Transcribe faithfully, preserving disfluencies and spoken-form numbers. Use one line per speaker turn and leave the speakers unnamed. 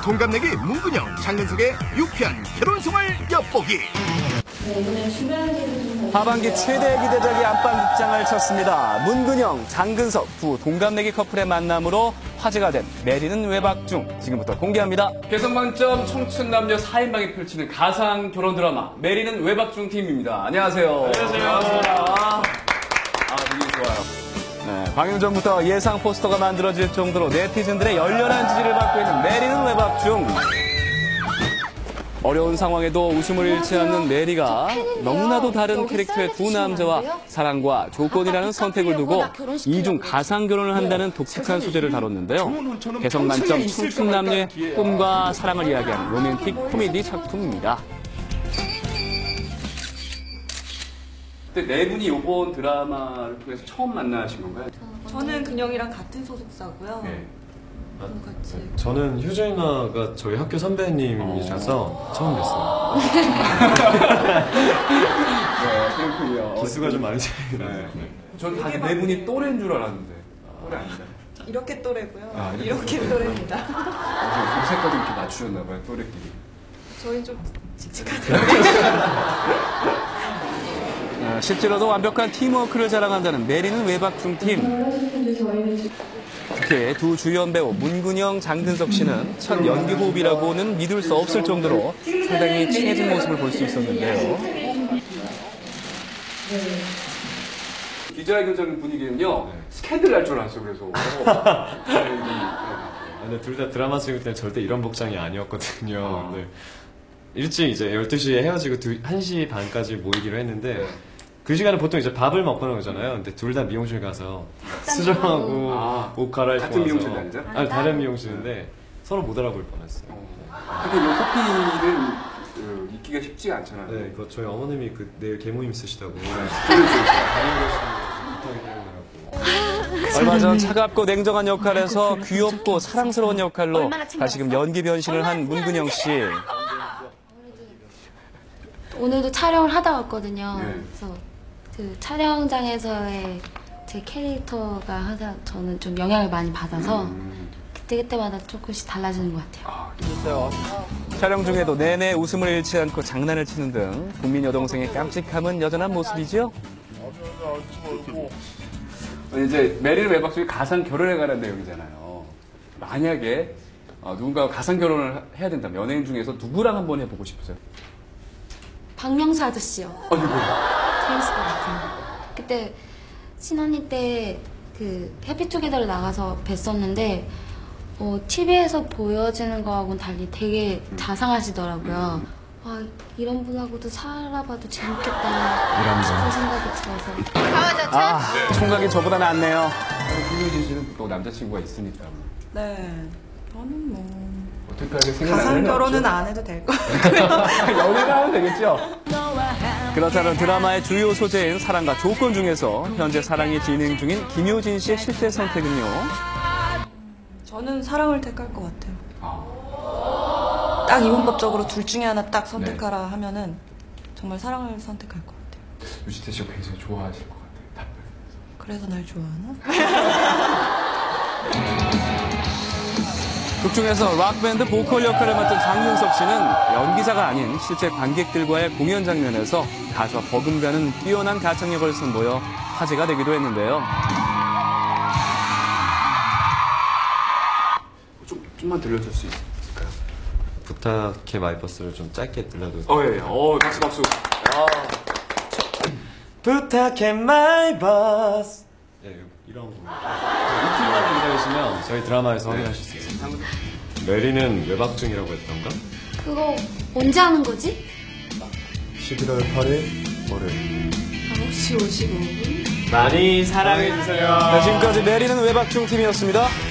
동갑내기 문근영, 장근석의 유쾌한 결혼생활 엿보기.
하반기 최대 기대작이 안방 입장을 쳤습니다. 문근영, 장근석 두 동갑내기 커플의 만남으로 화제가 된 내리는 외박 중 지금부터 공개합니다. 개성만점 청춘 남녀 사 인방이 펼치는 가상 결혼 드라마 내리는 외박 중 팀입니다. 안녕하세요.
안녕하세요.
아, 분위기 좋아요. 네, 방영 전부터 예상 포스터가 만들어질 정도로 네티즌들의 열렬한 지지를 받고 있는 내리는 외박 중. 어려운 상황에도 웃음을 잃지 않는 메리가 너무나도 다른 캐릭터의 두 남자와 사랑과 조건이라는 선택을 두고 이중 가상 결혼을 한다는 독특한 소재를 다뤘는데요. 개성 만점 청춘 남녀의 꿈과 사랑을 이야기하는 로맨틱 코미디 작품입니다. 근데 네 분이 이번 드라마를 통해서 처음 만나신 건가요?
저는 근영이랑 같은 소속사고요.
네.
아, 같이.
저는 효정이 누나가 저희 학교 선배님이셔서 어. 처음 뵀어요.
네, 그렇군요.
기수가 좀 많이 차이가 나요.
네. 저는 다들 네 분이 또래인 줄 알았는데 또래 아니다.
이렇게 또래고요.
아, 이렇게,
이렇게 또래입니다.
요새까지 이렇게 맞추셨나봐요, 또래끼리.
저희 좀 칙칙하죠.
어, 실제로도 완벽한 팀워크를 자랑한다는 내리는 외박 중 팀. 특히 두 주연 배우 문근영, 장근석 씨는 첫 연기 호흡이라고는 믿을 수 없을 정도로 상당히 친해진 모습을 볼 수 있었는데요. 기자회견장 분위기는요, 스캔들 날 줄 알았어요, 그래서.
근데 둘 다 드라마 찍을 때는 절대 이런 복장이 아니었거든요. 네. 일찍 이제 열두 시에 헤어지고 한 시 반까지 모이기로 했는데 그 시간에 보통 이제 밥을 먹거나 그러잖아요. 근데 둘 다 미용실 가서 수정하고
아,
옷 갈아입고
같은
와서.
미용실이 아니죠?
아니 다른 미용실인데 서로 못 알아볼 뻔했어요.
근데 이 커피는 그, 잊기가 쉽지가 않잖아요.
네, 그 저희 어머님이 그 내일 개모임 쓰시다고.
얼마 전 차갑고 냉정한 역할에서 귀엽고 사랑스러운 역할로 다시금 연기 변신을 한 문근영 씨.
오늘도 촬영을 하다 왔거든요.
네.
그래서 그 촬영장에서의 제 캐릭터가 항상 저는 좀 영향을 많이 받아서
음.
그때그때마다 조금씩 달라지는 것 같아요.
아, 그랬어요. 촬영 중에도 내내 웃음을 잃지 않고 장난을 치는 등 국민 여동생의 깜찍함은 여전한 모습이죠. 이제 메릴 외박 중에 가상 결혼에 관한 내용이잖아요. 만약에 어, 누군가 가상 결혼을 해야 된다면 연예인 중에서 누구랑 한번 해보고 싶으세요?
박명수 아저씨요.
아니, 뭐.
재밌을 것 같아요. 그때 신언니 때 그 해피투게더를 나가서 뵀었는데 어, 티비에서 보여지는 거하고는 달리 되게 자상하시더라고요. 아, 이런 분하고도 살아봐도 재밌겠다 싶은 생각이 들어서.
아, 총각이 저보다 낫네요. 김효진 씨는 또 남자친구가 있으니까.
네. 저는 뭐.
어떻게 생각
가상 결혼은 안 해도 될 것 같고요.
연애가 하면 되겠죠? 그렇다면 드라마의 주요 소재인 사랑과 조건 중에서 현재 사랑이 진행 중인 김효진 씨의 실제 선택은요?
저는 사랑을 택할 것 같아요.
아.
딱 이혼법적으로 둘 중에 하나 딱 선택하라 네. 하면은 정말 사랑을 선택할 것 같아요.
유지태 씨가 굉장히 좋아하실 것 같아요. 답변.
그래서 날 좋아하나?
극 중에서 락밴드 보컬 역할을 맡은 장근석 씨는 연기자가 아닌 실제 관객들과의 공연 장면에서 가수와 버금가는 뛰어난 가창력을 선보여 화제가 되기도 했는데요. 좀, 좀만 들려줄 수 있을까요?
부탁해 마이버스를 좀 짧게 들려도.
어, 예, 예. 어, 박수, 박수. 아.
부탁해 마이버스. 네, 이런 거. 이틀만 기다리시면 저희 드라마에서 네. 확인하실 수 있어요. 메리는 외박 중이라고 했던가?
그거 언제 하는 거지?
십일월 팔일 월요일
아홉 시 오십오 분.
많이 사랑해주세요.
네, 지금까지 내리는 외박 중 팀이었습니다.